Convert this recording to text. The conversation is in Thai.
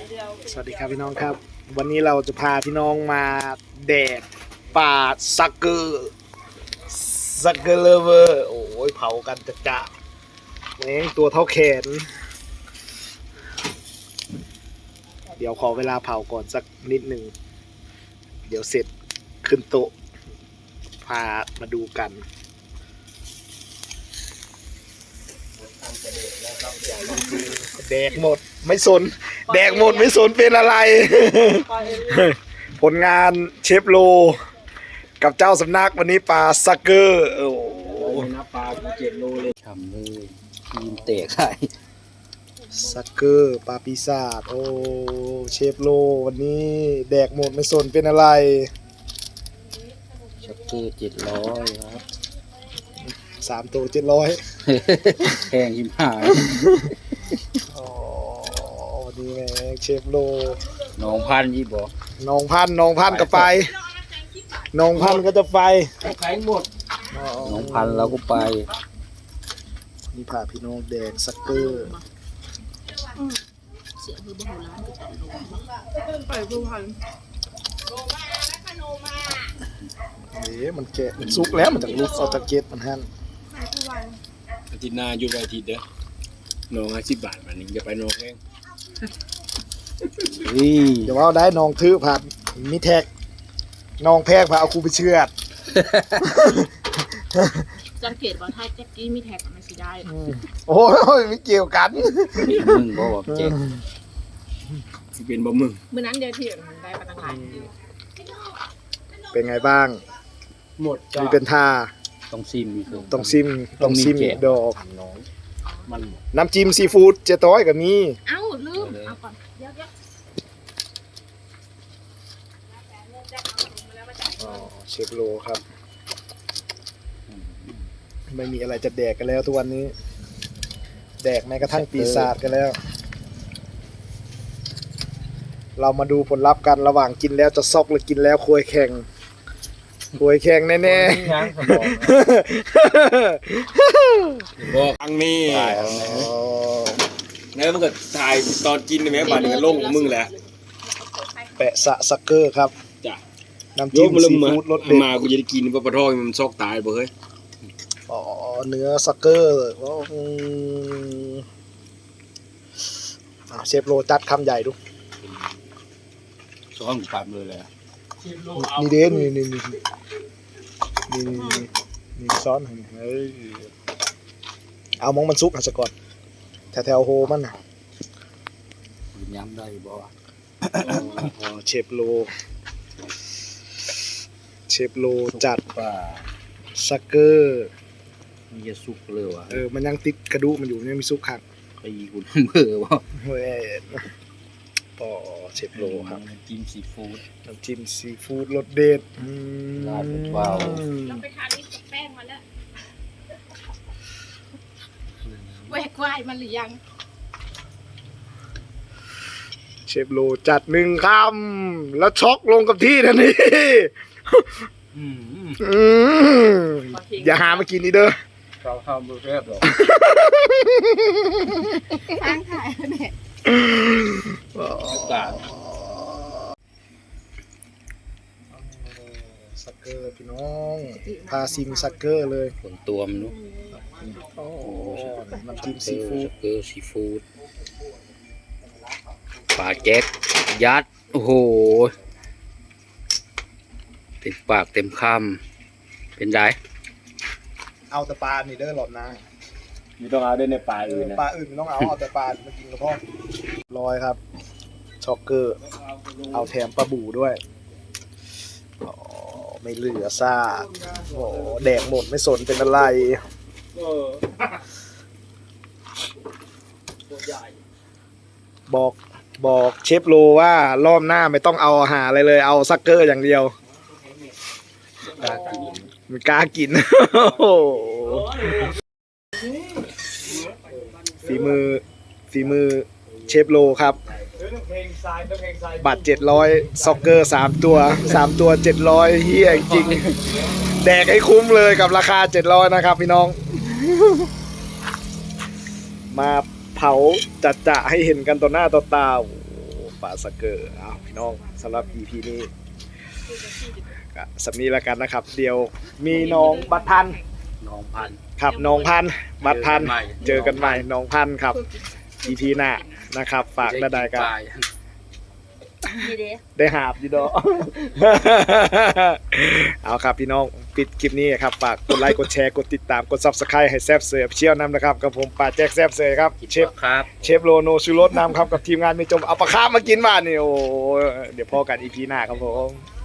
สวัสดีครับพี่น้องครับวันนี้เราจะพาพี่น้องมาแดดป่าซักเกอร์เลเวอร์โอ้ยเผากันจะแม่งตัวเท่าแขนเดี๋ยวขอเวลาเผาก่อนสักนิดหนึ่งเดี๋ยวเสร็จขึ้นโต๊ะพามาดูกันแดกหมดไม่สนแดกหมดไม่สนเป็นอะไร ผลงานเชฟโลกับเจ้าสำนักวันนี้ปลาซักเกอร์โอ้โหนับปลากู7 โลเลยทำเลยทีมเตะไข่ซักเกอร์ปลาปีศาจโอ้เชฟโลวันนี้แดกหมดไม่สนเป็นอะไรชักเกอร์700ครับ 3 ตัว 700 แพงหิมหายอ๋อวันนี้แม่งเชฟโลน้องพันยี่บอกน้องพันธุ์ก็ไปน้องพันธุ์ก็จะไปขายหมดน้องพันแล้วก็ไปนี่พาพี่น้องแดงซักเกอร์มันแกะมันซุกแล้วมันจากลูกเอาตะเกียบมันหั่นอาทิตย์หน้าหยุดวันอาทิตย์เด้อน้อง10 บาทวันนี้จะไปน้องเองเดี๋ยวว่าได้น้องถือผ่านมีแท็กน้องแพกพาเอาครูไปเชือดสังเกตว่าถ้าแจ็คกี้มีแท็กมันสิได้โอ้ยไม่เกี่ยวกันมึงบอกว่าเจ๊กสิเป็นบ่มึงเมื่อนั้นเดียวที่มันได้มาตั้งหลายเป็นไงบ้างหมดมีเป็นท่าต้องซิมอีกคือต้องซิมอีกดอกน้องมันน้ำจิ้มซีฟู้ดเจ๊ต้อยกับมีเอ้าลืมเอาก่อนเดี๋ยวเชฟโลครับไม่มีอะไรจะแดกกันแล้วทุกวันนี้ แดกแม้กระทั่งปีศาจกันแล้ว เรามาดูผลลัพธ์กันระหว่างกินแล้วจะซอกหรือกินแล้วควยแข่งแน่ยังสมองบอกครั้งนี้ตายแล้วนะแล้วมันก็ถ่ายตอนกินในแม่บาดนี่ก็ลงของมึงแหละแปะสะซักเกอร์ครับจ้ะน้ำจิ้มซีฟู้ดรสเด็ดมากูจะได้กินปลาปลาทองมันซอกตายบ่เฮ้ยอ๋อเนื้อซักเกอร์เชฟโลจัดคำใหญ่ดูซ้อนปั๊มเลยแหละนี่เด้นี่ซ้อนเฮ้ยเอามองมันซุกอ่ะซะก่อนแถวโฮมันน่ะย้ำได้บอกว่าเชฟโลจัดป่าซักเกอร์มีจะสุกเลยวะมันยังติดกระดูกมันอยู่ยังมีซุกขังใครคุณเบื่อวะเฮ้ยปอเชฟโลครับกินซีฟู้ดน้ำจิ้มซีฟู้ดรสเด็ดราดเบาเราไปทานนี่กับแป้งมาแล้วแหวกวายมันหรือยังเชฟโลจัด1 คำแล้วช็อกลงกับที่ทันที อย่าหามากินนี่เด้อเราทำเบอร์แรกหรอทางถ่ายเนี่ยกาดซักเกอร์พี่น้องพาซิมซักเกอร์เลยผลตัวมันนู้โอ้น้ำจิ้มซีฟู้ดเกอร์ซีฟู้ดปลาแก๊กยัดโอ้โหเต็มปากเต็มคำเป็นไรเอาแต่ปลานี่เด้อหลอดนะไม่ต้องเอาด้วยในปลาอื่นนะปลาอื่นไม่ต้องเอาแต่ปลามากินกับพ่อร้อยครับช็อกเกอร์เอาแถมปลาบูด้วยอ๋อไม่เหลือซากโอ้แดกหมดไม่สนเป็นอะไรบอกเชฟโลว่ารอบหน้าไม่ต้องเอาอาหารอะไรเลยเอาซักเกอร์อย่างเดียวมันกล้ากิน ฝีมือเชฟโลครับบัตร700ซ็อกเกอร์3 ตัว700เฮียจริงแดกให้คุ้มเลยกับราคา700นะครับพี่น้อง มาเผาจัดจะให้เห็นกันต่อหน้าต่อตาปลาสักเกอร์เอาพี่น้องสำหรับ EP นี้ก็สำนี้แล้วกันนะครับ เดี๋ยวมีน้องบัตรพันธุ์น้องพันครับน้องพันธุ์บัตรพันธุ์เจอกันใหม่เจอกันใหม่น้องพันธุ์ครับ EP หน้านะครับ ฝากได้กันดีเด้ได้หาบอยู่ดอก เอาครับพี่น้องปิดคลิปนี้ครับฝากกดไลค์กดแชร์กดติดตามกด Subscribe ให้แซบเสือเชี่ยวนำนะครับกับผมป่าแจ็คแซบเสือครับเชฟครับเชฟโลโนชูรสนำครับกับทีมงานมีจมเอาปลาคาร์ฟมากินบ้านนี่โอ้เดี๋ยวพอกัน EP หน้าครับผม